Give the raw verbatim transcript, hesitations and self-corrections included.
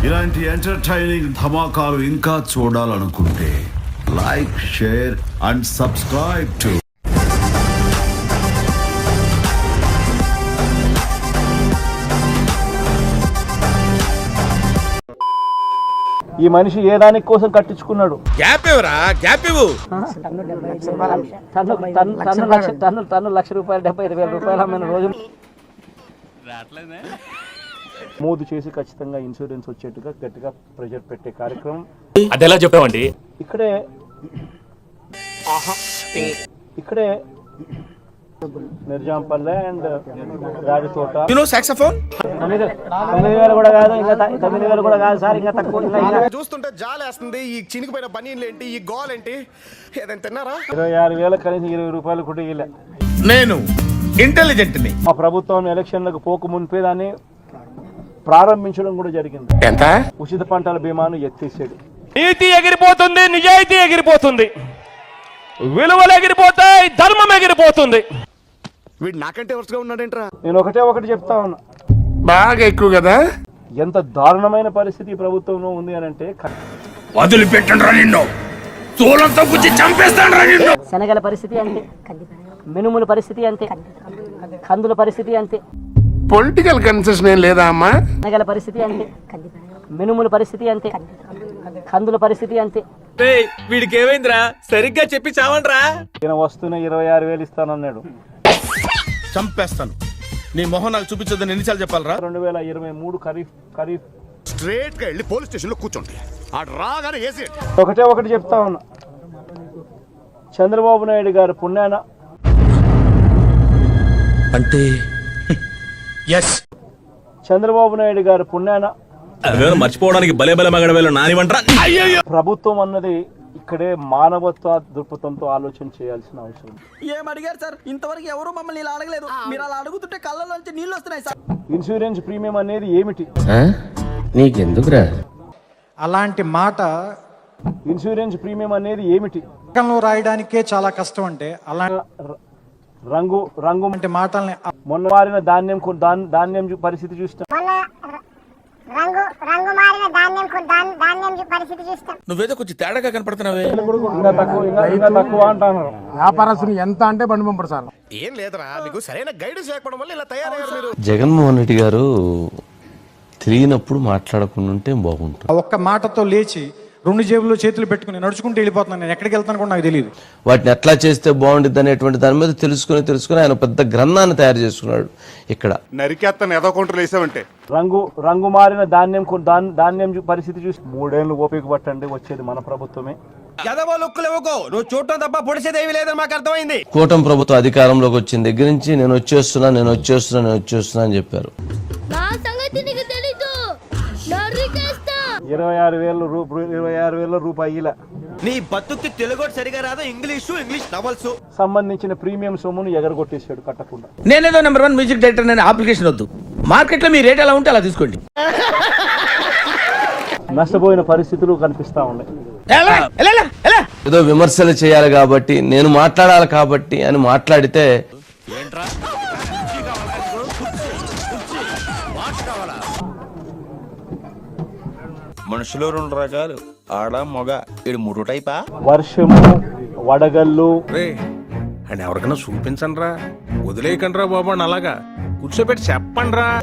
ఇలాంటి ఎంటర్టైనింగ్ ధమాకాలు ఇంకా చూడాలనుకుంటే like, share and subscribe to ఈ మనిషి ఏ దానికి కోసం కట్టించుకున్నాడు? గ్యాప్ ఇవ్వరా, గ్యాప్ ఇవ్వు. టన్ను టన్ను లక్ష రూపాయలు, డెబ్బై ఐదు వేల రూపాయలు అమ్మిన రోజు మూదు చేసి ఖచ్చితంగా ఇన్సూరెన్స్ వచ్చేట్టుగా గట్టిగా ప్రెషర్ పెట్టే కార్యక్రమం. అది ఎలా చెప్పామండి? ఇక్కడే ఇక్కడే నిర్జాంపల్లె అండ్ రాజతోట సాక్సోఫోన్ తొమ్మిది తొమ్మిది వేలు కూడా కాదు, ఇంకా తొమ్మిది వేలు కూడా కాదు సార్, ఇంకా తక్కువ. చూస్తుంటే జాలేస్తుంది. ఈ చినిగిపోయిన బనీన్లు ఏంటి, ఈ గోల్ ఏంటి? ఏదైనా తిన్నారా? ఇరవై ఆరు వేల కనీసం ఇరవై రూపాయలు కూడా ఇవ్వలే. నేను ఇంటెలిజెంట్ ని. మా ప్రభుత్వం ఎలక్షన్లకు పోకు మునిపే దాన్ని ప్రారంభించడం కూడా జరిగింది. ఎంత? ఉచిత పంటల బీమాను ఎత్తేసాడు. నీతి ఎగిరిపోతుంది, నిజాయితీ ఎగిరిపోతుంది, విలువలు ఎగిరిపోతాయి, ధర్మం ఎగిరిపోతుంది. వీడు నాకంటే వరుసగా ఉన్నాడేంట్రా? నేను ఒకటే ఒకటి చెప్తా ఉన్నా, బాగా ఎక్కువ కదా. ఎంత దారుణమైన పరిస్థితి ఈ ప్రభుత్వంలో ఉంది అని అంటే, వదిలిపెట్టండి రా నిన్ను, తోలంతో గుచ్చి చంపేస్తాను రా నిన్ను. శనగల పరిస్థితి అంతే, మినుముల పరిస్థితి అంతే, కందుల పరిస్థితి అంతే. పొలిటికల్ కన్సెషన్ ఏం లేదా అమ్మా? శనగల పరిస్థితి అంతే, మినుముల పరిస్థితి అంతే, కందుల పరిస్థితి అంతే. వీడికి ఏమైందిరా, సరిగ్గా చెప్పి చావండ్రా. ఈయన వస్తూనే ఇరవై ఆరు వేలు ఇస్తానన్నాడు. చంపేస్తాను. నీ మొహం నాకు చూపించొద్దని ఎన్నిసార్లు చెప్పాలరా? రెండు వేల ఇరవై మూడు ఖరీఫ్ ఖరీఫ్ స్ట్రేట్ గా వెళ్ళి పోలీస్ స్టేషన్ లో కూర్చోండి. ఆ రాగానే ఏసీ. ఒకటే ఒకటి చెప్తా ఉన్నా, చంద్రబాబు నాయుడు గారు పుణ్యాన అంటే ఎస్ చంద్రబాబు నాయుడు గారు పుణ్యాన మర్చిపోవడానికి బలే బలే మగడవేలు నానివంట్రా. ప్రభుత్వం అన్నది ఇక్కడే మానవత్వ దృక్పథంతో ఆలోచన చేయాల్సిన అవసరం. ఏం అడిగారు సార్? ఇంతవరకు ఎవరు మమ్మల్ని ఇలా అడగలేదు. మీరు అలా అడుగుతుంటే కళ్ళలోంచి నీళ్ళు వస్తున్నాయి సార్. ఇన్సూరెన్స్ ప్రీమియం అనేది ఏమిటి? నీకెందుకురా అలాంటి మాట ఇన్సూరెన్స్ ప్రీమియం అనేది ఏమిటి రాయడానికే చాలా కష్టం. అంటే అలాంటి రంగు రంగు అంటే మాటల్ని మొన్న మారిన ధాన్యం కొ- ధాన్- ధాన్యం చూ- పరిస్థితి చూస్తాం. నువ్వేదో కొంచెం తేడాగా కనపడుతున్నావే. ఇంకా తక్కువ ఇంకా- ఇంకా తక్కువ అంటున్నారు. వ్యాపారస్తులు ఎంత అంటే బండి పంపరు సార్. ఏం లేదురా, మీకు సరైన గైడెన్స్ లేకపోవడం వల్ల ఇలా తయారయ్యారు మీరు. జగన్మోహన్ రెడ్డి గారు తెలియనప్పుడు మాట్లాడకుండా ఉంటే బాగుంటుంది. ఆ ఒక్క మాటతో లేచి రెండు జేబుల్లో చేతులు పెట్టుకుని నడుచుకుంటూ వెళ్ళిపోతున్నాను. నేను ఎక్కడికి వెళ్తాను కూడా నాకు తెలియదు. వాటిని ఎట్లా చేస్తే బాగుంటుంది అనేటువంటి దాని మీద తెలుసుకుని తెలుసుకుని ఆయన పెద్ద గ్రంథాన్ని తయారు చేసుకున్నాడు. ఇక్కడ నరికేస్తాను ఏదో కౌంటర్లు వేసావంటే. రంగు రంగు మారిన ధాన్యం కొ- ధాన్- ధాన్యం చూ- పరిస్థితి చూసి మూడేళ్లు ఓపిక పట్టండి, వచ్చేది మన ప్రభుత్వమే. నువ్వు చూడటం తప్ప పొడిచేదేవి లేదని మాకు అర్థమైంది. కూటమి ప్రభుత్వం అధికారంలోకి వచ్చిన దగ్గర నుంచి నేను వచ్చేస్తున్నా నేను వచ్చేస్తున్నా నేను వచ్చేస్తున్నా అని చెప్పారు. ఇరవై ఆరు వేల రూపాయలు ఇరవై ఆరు వేల రూపాయల నీ బతుక్కి తెలుగు సరిగా రాదు, ఇంగ్లీషు ఇంగ్లీష్ నవల్స్ సంబంధించిన ప్రీమియం సొమ్మును ఎగరగొట్టేశాడు కట్టకుండా. నేనేదో నెంబర్ వన్ మ్యూజిక్ డైరెక్టర్ అనే అప్లికేషన్ వద్దు, మార్కెట్ లో మీ రేట్ ఎలా ఉంటే అలా తీసుకోండి. నష్టపోయిన పరిస్థితులు కనిపిస్తా ఉన్నాయి. ఏదో విమర్శలు చేయాలి కాబట్టి నేను మాట్లాడాలి కాబట్టి అని మాట్లాడితే మనుషులు రెండు రకాలు, ఆడ మొగ. ఇది మూడు టైపా? వర్షము, వడగళ్ళు. రే అండ్ ఎవరికైనా చూపించండి రా, వదిలేయకండి రా బాబు అని అలాగా కూర్చోబెట్టి చెప్పండి రా.